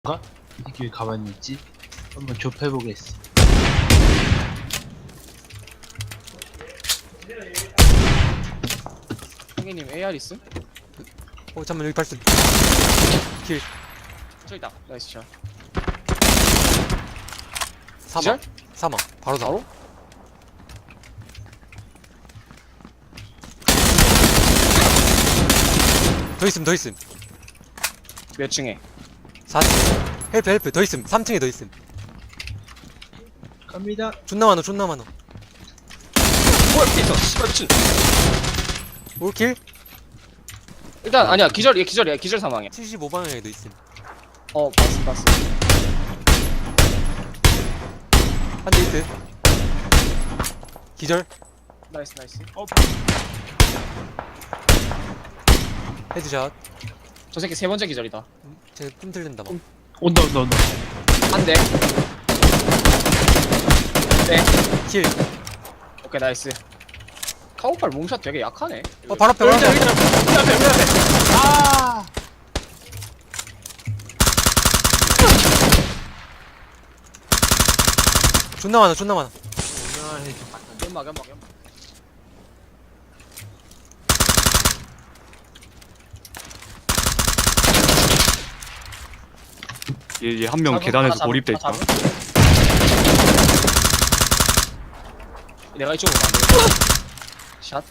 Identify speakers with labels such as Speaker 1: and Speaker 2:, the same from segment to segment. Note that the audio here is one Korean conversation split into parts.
Speaker 1: 이 새끼 왜 가만히 있지? 한번 좁혀보겠어.
Speaker 2: 형님 AR 있음?
Speaker 3: 잠깐만 여기 발소 길
Speaker 2: 저기 있다. 나이스 샷.
Speaker 3: 사망 사망 바로 사망
Speaker 2: 바로?
Speaker 3: 더 있음 더 있음
Speaker 2: 몇 층에?
Speaker 3: 4층 헬프 더 있음 3층에 더 있음
Speaker 1: 갑니다.
Speaker 3: 존나 많어 존나 많어
Speaker 2: 뭐야 피했어. 씨발 미친.
Speaker 3: 올킬
Speaker 2: 일단 아니야 기절 얘 기절이야 기절 사망이야.
Speaker 3: 75방향에도 있음
Speaker 2: 봤어.
Speaker 3: 한 대 있음 기절
Speaker 2: 나이스.
Speaker 3: 헤드샷
Speaker 2: 저 새끼 세 번째 기절이다.
Speaker 3: 쟤 꿈틀린다 막
Speaker 1: 온다.
Speaker 2: 한 대. 네.
Speaker 3: 킬
Speaker 2: 오케이 나이스. 카우팔 몽샷 되게 약하네.
Speaker 3: 바로 앞에 바로 앞에
Speaker 2: 우리 앞에. 아.
Speaker 3: 존나 많아 존나 많아
Speaker 2: 연막.
Speaker 4: 얘 한 명 계단에서 고립돼 있다.
Speaker 2: 내가 이쪽으로 가면 샷.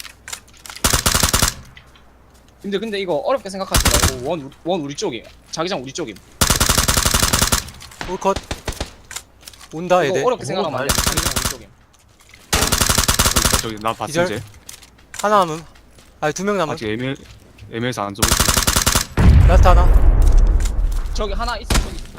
Speaker 2: 근데 이거 어렵게 생각하지 말고 원 우리 쪽이에요. 자기장 우리 쪽임.
Speaker 3: 올컷 온다
Speaker 2: 이거
Speaker 3: 얘들
Speaker 2: 어렵게 생각하면 안 돼. 자기장 우리 쪽임.
Speaker 4: 저기 나 봤지
Speaker 3: 기절?
Speaker 4: 이제.
Speaker 3: 하나 남음 아니 2명 남음
Speaker 4: 아직 애매해서 안 쏘고.
Speaker 3: 라스트 하나
Speaker 2: 저기 하나 있어. 저기